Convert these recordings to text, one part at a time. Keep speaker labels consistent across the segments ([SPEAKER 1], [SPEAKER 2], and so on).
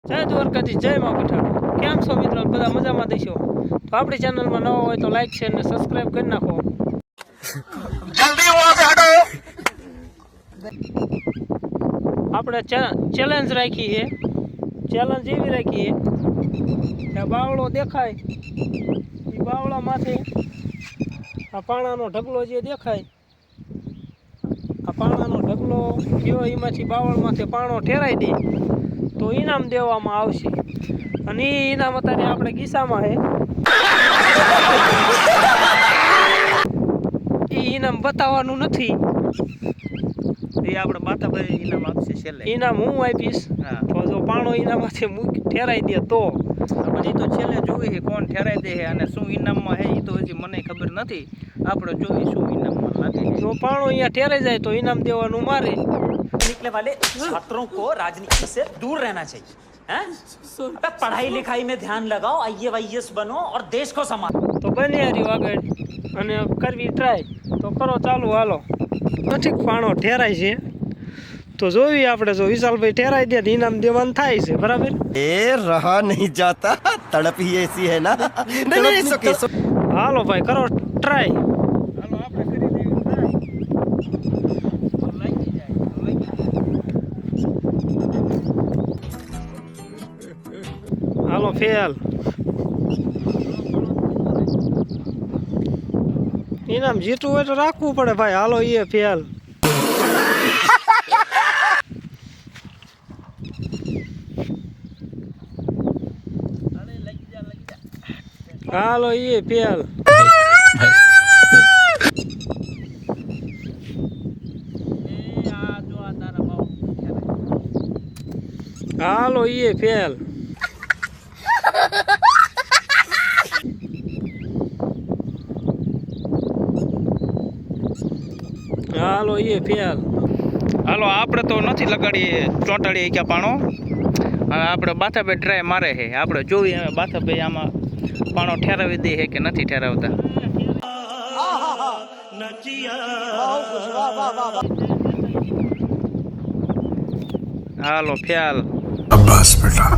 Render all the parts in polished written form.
[SPEAKER 1] જય દ્વારકાથી જય માં પઠાણ કેમ છો મિત્રો બધા મજામાં દેશો તો આપણી ચેનલમાં નવા હોય તો લાઈક શેર ને સબસ્ક્રાઇબ કરી નાખો જલ્દી વહાં સે હટો આપણે ચેલેન્જ રાખી છે ચેલેન્જ એવી રાખી છે કે બાવળો દેખાય એ બાવળા માથે આ પાણાનો ઢગલો જે દેખાય આ પાણાનો ઢગલો ગયો એમાંથી બાવળ માથે પાણો ઠેરાઈ દે તો ઇનામ દેવામાં આવશે અને એ ઇનામ અત્યારે આપણે ગીસામાં છે એ ઇનામ બતાવવાનું નથી
[SPEAKER 2] એ આપણે બાતાભાઈ ઇનામ આપશે છેલ્લે
[SPEAKER 1] ઇનામ હું આપીશ તો જો પાણો ઇનામમાંથી ઠેરાઈ દે તો
[SPEAKER 2] હજી તો છેલ્લે જોઈએ છે કોણ ઠેરાઈ દે છે અને શું ઇનામમાં છે એ તો હજી મને ખબર નથી આપણે જોઈએ શું ઇનામમાં લાગે
[SPEAKER 1] જો પાણો અહીંયા ઠેરાઈ જાય તો ઇનામ દેવાનું મારે
[SPEAKER 3] निकले वाले छात्रों को राजनीति से दूर रहना चाहिए हैं? अबे पढ़ाई लिखाई में ध्यान लगाओ IAS बनो और देश को संभालो
[SPEAKER 1] તો બને રહ્યું આગળ અને કરવી ટ્રાય તો કરો ચાલુ હાલો નથી પાણો ઠેરાય છે તો જોવી આપણે જો વિશાલભાઈ ઠેરાઈ દે તો ઇનામ દેવાનું થાય છે બરાબર
[SPEAKER 4] ए रहा नहीं जाता तड़प ही ऐसी है ना नहीं सके
[SPEAKER 1] હાલો ભાઈ કરો ટ્રાય
[SPEAKER 2] હાલો આપણે કરી દેવી ટ્રાય તો લાગી જાય તો લાગી જાય
[SPEAKER 1] હાલો ફેલ ઇનામ જીતવું હોય તો રાખવું પડે ભાઈ હાલો એ ફેલ
[SPEAKER 2] અરે લાગી જા
[SPEAKER 1] હાલો એ ફેલ
[SPEAKER 2] એ આ જો આ તારા બાવ
[SPEAKER 1] હાલો એ ફેલ હાલો એ ફેલ
[SPEAKER 2] હાલો આપણે તો નથી લગાડીએ ચોંટાડીએ ક્યાં પાણો હવે આપણે બાથાભાઈ ટ્રાય મારે છે આપણે જોઈએ હવે બાથાભાઈ આમાં પાણો ઠેરાવી દે છે કે નથી ઠેરાવતા હાલો ફેલ
[SPEAKER 5] बस बेटा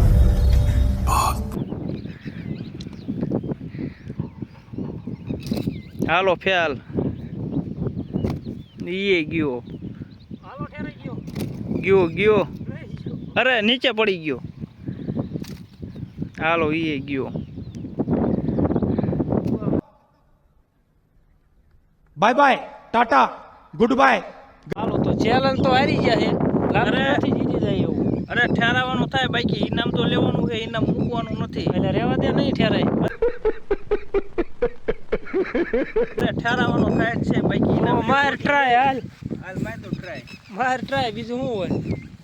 [SPEAKER 2] હાલો ફેલ એ ગયો
[SPEAKER 1] હાલો ઠેરાઈ ગયો
[SPEAKER 2] ગયો અરે નીચે પડી ગયો હાલો એ ગયો
[SPEAKER 5] bye bye tata goodbye
[SPEAKER 1] હાલો તો ચેલેન્જ તો હારી ગયા છે લાગે
[SPEAKER 2] અરે.
[SPEAKER 1] નથી જીતી જાય એવું
[SPEAKER 2] અરે ઠેરાવાનું થાય બાકી ઇનામ તો લેવાનું છે ઇનામ મૂકવાનું નથી
[SPEAKER 1] એટલે રહેવા દે નહીં ઠેરાય
[SPEAKER 2] અરે ઠેરાવાનું થાય જ છે બાકી ઇનામ
[SPEAKER 1] માર ટ્રાય હાલ
[SPEAKER 2] હાલ માર તો ટ્રાય
[SPEAKER 1] માર ટ્રાય બીજું શું હોય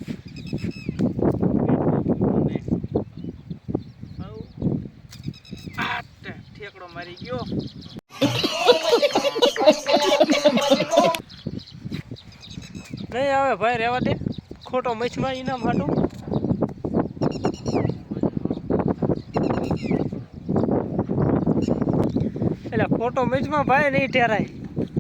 [SPEAKER 2] ઠેકડો મારી ગયો
[SPEAKER 1] નહીં આવે ભાઈ રહેવા દે ખોટો મચ્છમાં ઇનામ હાટું એટલે ખોટો મચ્છમાં ભાઈ નહીં ઠેરાય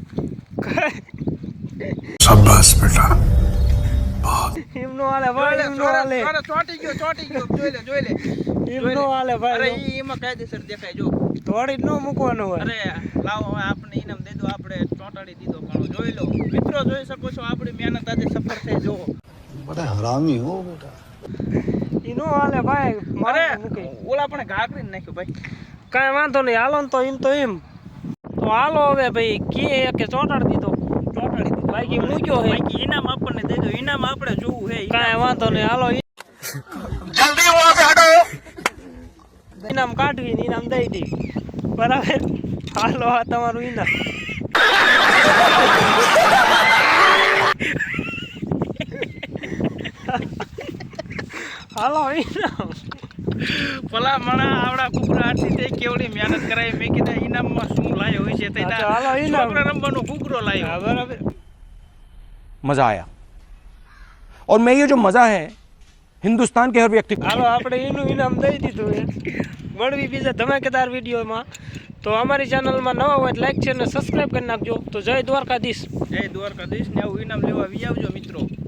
[SPEAKER 5] शाबाश बेटा
[SPEAKER 1] એમનો હાલે ભાઈ એમનો હાલે
[SPEAKER 2] અરે ચોંટી ગયો જોઈ લે
[SPEAKER 1] એમનો હાલે
[SPEAKER 2] અરે
[SPEAKER 1] ભાઈ
[SPEAKER 2] ઈ એમાં કાયદેસર દેખાય જો
[SPEAKER 1] તોડી જ ન મૂકવાનું હોય
[SPEAKER 2] અરે લાવો હવે આપણે ઇનામ દઈ દો આપણે ચોંટાડી દીધો પણ જોઈ લો મિત્રો જોઈ શકો છો આપણી મહેનત આજે સફળ થઈ જો
[SPEAKER 5] बड़ा हरामी हो बेटा
[SPEAKER 1] ઈનો હાલે ભાઈ
[SPEAKER 2] અરે
[SPEAKER 1] મારે મૂકે
[SPEAKER 2] ઓલા પણ ઘા કરીને નાખ્યો ભાઈ
[SPEAKER 1] કાંઈ વાંધો નહીં હાલો ને તો એમ તો હાલો હવે ભાઈ કે કે ચોંટાડી દીધો
[SPEAKER 2] ચોંટાડી દીધો
[SPEAKER 1] બાકી મૂક્યો હે
[SPEAKER 2] બાકી ઇનામ આપણને દઈ દો ઇનામ આપણે જોવું છે
[SPEAKER 1] કાંઈ વાંધો નહીં હાલો
[SPEAKER 4] जल्दी वहां से हटो
[SPEAKER 1] ઇનામ કાઢવી ને ઇનામ દઈ દેવી બરાબર હાલો આ તમારું ઇનામ હાલો ઇનામ
[SPEAKER 2] ભલા મણા આવડા કુકરા આરતી તે કેવડી મહેનત કરાવી મેં કીધા ઇનામમાં શું લાયો હોય છે તે
[SPEAKER 1] હા તો હાલો ઇનામ.
[SPEAKER 2] છોકરા રમવાનો કુકરો લાયો
[SPEAKER 1] હા, બરાબર
[SPEAKER 6] मजा आया और मैं ये जो मजा है हिंदुस्तान के हर व्यक्ति को
[SPEAKER 1] હાલો આપણે એનું ઇનામ દઈ દીધું છે મળવી બીજા ધમાકેદાર વિડીયોમાં તો અમારી ચેનલમાં નવા હોય લાઈક છે અને સબસ્ક્રાઈબ કરી નાખજો તો જય દ્વારકાધીશ
[SPEAKER 2] જય દ્વારકાધીશ ને આવું ઇનામ લેવા આવી આવજો મિત્રો